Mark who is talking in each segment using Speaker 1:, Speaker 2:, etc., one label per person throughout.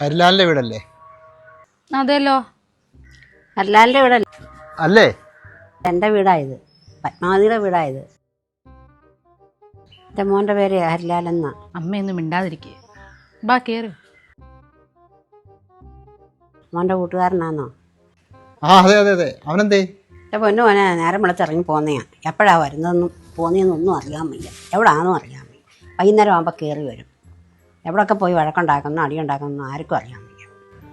Speaker 1: ഹരിലാലിന്റെ വീടല്ലേ?
Speaker 2: അതെല്ലോ.
Speaker 3: ഹരിലാലിന്റെ വീടല്ലേ?
Speaker 1: അല്ലേ?
Speaker 3: എൻ്റെ വീടായത്, പത്മാവതിയുടെ വീടായത്. എൻ്റെ മോൻ്റെ പേര് ഹരിലാലെന്നാ.
Speaker 2: അമ്മയൊന്നും മിണ്ടാതിരിക്കേ. ബാ കേറ്.
Speaker 3: മോൻ്റെ കൂട്ടുകാരനാന്നോ?
Speaker 1: ആ അതെ അതെ അതെ. അവനെന്തേ?
Speaker 3: എൻ്റെ പൊന്നു മോനെ നേരം വിളിച്ചിറങ്ങി പോന്നെയാ. എപ്പോഴാണ് വരുന്നതെന്നും പോന്നതെന്നൊന്നും അറിയാൻ വയ്യ, എവിടാണെന്നും അറിയാൻ വയ്യ. വൈകുന്നേരം ആകുമ്പോൾ കയറി വരും. എവിടെയൊക്കെ പോയി വഴക്കുണ്ടാക്കുന്നു അടിയുണ്ടാക്കുന്നു ആർക്കും അറിയാൻ വയ്യ.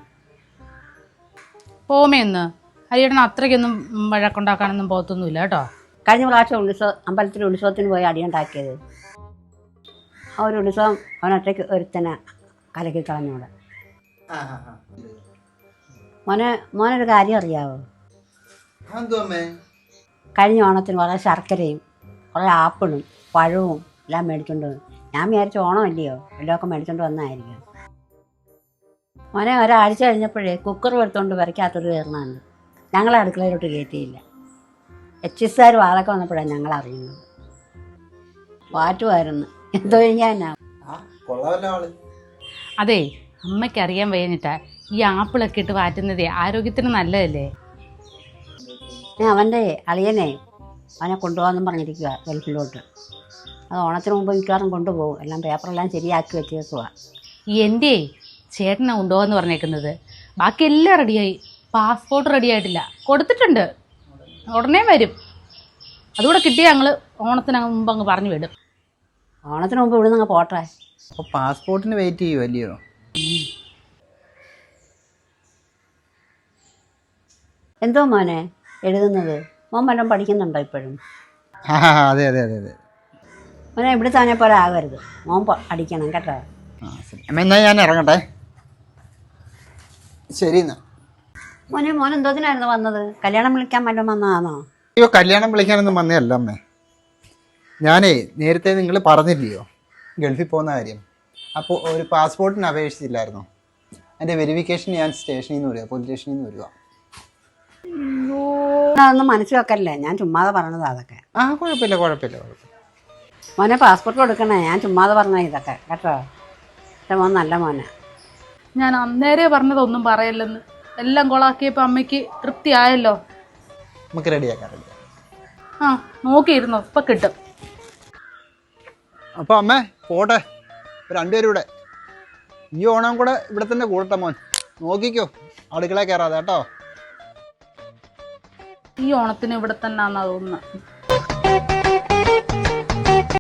Speaker 2: പോമേന്ന് ഹരിയേട്ടൻ അത്രയ്ക്കൊന്നും വഴക്കുണ്ടാക്കാനൊന്നും പോകത്തൊന്നുമില്ല കേട്ടോ.
Speaker 3: കഴിഞ്ഞ പ്രാവശ്യം അമ്പലത്തിൽ ഉത്സവത്തിന് പോയി അടിയുണ്ടാക്കിയത്, ആ ഒരു ഉത്സവം അവനൊറ്റയ്ക്ക് ഒരുത്തനെ കലക്കി കളഞ്ഞൂടെ. മോനൊരു കാര്യം അറിയാവോ? കഴിഞ്ഞ ഓണത്തിന് കുറേ ശർക്കരയും കുറേ ആപ്പിളും പഴവും എല്ലാം മേടിച്ചോണ്ട് വന്നു. ഞാൻ വിചാരിച്ച ഓണമല്ലയോ എല്ലമൊക്കെ മേടിച്ചോണ്ട് വന്നായിരിക്കും. മോനെ ഒരാഴ്ച കഴിഞ്ഞപ്പോഴേ കുക്കർ എടുത്തോണ്ട് വരയ്ക്കാത്തൊരു കയറണമാണ്. ഞങ്ങളെ അടുക്കളയിലോട്ട് കയറ്റിയില്ല. എച്ചിസാർ വാതൊക്കെ വന്നപ്പോഴാണ് ഞങ്ങൾ അറിയുന്നത്. വാറ്റുമായിരുന്നു, എന്തോ കഴിഞ്ഞാ.
Speaker 2: അതെ, അമ്മയ്ക്ക് അറിയാൻ വയ്യഞ്ഞിട്ടാ ഈ ആപ്പിളൊക്കെ ഇട്ട് വാറ്റുന്നതേ ആരോഗ്യത്തിന് നല്ലതല്ലേ.
Speaker 3: അവൻ്റെ അളിയനെ അവനെ കൊണ്ടുപോകാമെന്നും പറഞ്ഞിരിക്കുക ഗൾഫിലോട്ട്. അത് ഓണത്തിന് മുമ്പ് മിക്കവാറും കൊണ്ടുപോകും. എല്ലാം പേപ്പറെല്ലാം ശരിയാക്കി വെച്ചേക്കുക.
Speaker 2: എൻ്റെ ചേട്ടനെ കൊണ്ടുപോകാന്ന് പറഞ്ഞേക്കുന്നത്. ബാക്കി എല്ലാം റെഡിയായി. പാസ്പോർട്ട് റെഡി ആയിട്ടില്ല, കൊടുത്തിട്ടുണ്ട്. ഉടനെ വരും. അതുകൂടെ കിട്ടിയാൽ ഞങ്ങൾ ഓണത്തിന് മുമ്പ് അങ്ങ് പറഞ്ഞു വിടും.
Speaker 3: ഓണത്തിന് മുമ്പ് ഇവിടെ നിന്ന് പോട്ടെ.
Speaker 1: അപ്പോൾ പാസ്പോർട്ടിന് വെയിറ്റ് ചെയ്യുമല്ലയോ?
Speaker 3: എന്തോ മോനെ എഴുതുന്നത്? മോൻ വല്ലതും പഠിക്കുന്നുണ്ടോ ഇപ്പോഴും?
Speaker 1: ആ അതെ അതെ അതെ അതെ.
Speaker 3: മോനെ ഇവിടെ തന്നെ പോലെ ആകരുത്, മോൻ പഠിക്കണം കേട്ടോ.
Speaker 1: ആ ശരി അമ്മ, എന്നാൽ ഞാൻ ഇറങ്ങട്ടെ. ശരി എന്നാ.
Speaker 3: മോൻ എന്തോതിനായിരുന്നു വന്നത്? കല്യാണം വിളിക്കാൻ വല്ലതും വന്നതാണോ?
Speaker 1: അയ്യോ, കല്യാണം വിളിക്കാനൊന്നും വന്നതല്ല അമ്മേ. ഞാനേ നേരത്തെ നിങ്ങൾ പറഞ്ഞില്ലയോ ഗൾഫിൽ പോകുന്ന കാര്യം. അപ്പോൾ ഒരു പാസ്പോർട്ടിന് അപേക്ഷിച്ചില്ലായിരുന്നോ? അതിൻ്റെ വെരിഫിക്കേഷൻ ഞാൻ സ്റ്റേഷനിൽ നിന്ന് വരിക, പോലീസ് സ്റ്റേഷനിൽ നിന്ന് വരിക.
Speaker 3: അതൊന്നും മനസ്സിൽ വെക്കല്ലേ, ഞാൻ ചുമ്മാതെ പറഞ്ഞത് അതൊക്കെ.
Speaker 1: ആ കുഴപ്പമില്ല കുഴപ്പമില്ല കുഴപ്പമില്ല.
Speaker 3: മോനെ പാസ്പോർട്ട് കൊടുക്കണേ, ഞാൻ ചുമ്മാതെ പറഞ്ഞ ഇതൊക്കെ കേട്ടോ. എൻ്റെ മോൻ നല്ല മോനെ.
Speaker 2: ഞാൻ അന്നേരെ പറഞ്ഞതൊന്നും പറയല്ലെന്ന്. എല്ലാം കൊളാക്കിയപ്പോൾ അമ്മയ്ക്ക് തൃപ്തിയായല്ലോ.
Speaker 1: നമുക്ക് റെഡിയാക്കാം റെഡിയാക്കാം.
Speaker 2: ആ നോക്കിയിരുന്നോ, ഇപ്പം കിട്ടും.
Speaker 1: അപ്പോൾ അമ്മേ പോട്ടെ, രണ്ടുപേരും ഇവിടെ. ഈ ഓണം കൂടെ ഇവിടെ തന്നെ കൂടട്ടെ മോൻ. നോക്കിക്കോ, അടുക്കള കയറാതെ കേട്ടോ.
Speaker 2: ഈ ഓണത്തിന് ഇവിടെ തന്നെ ആണെന്നാ തോന്നുന്നത്.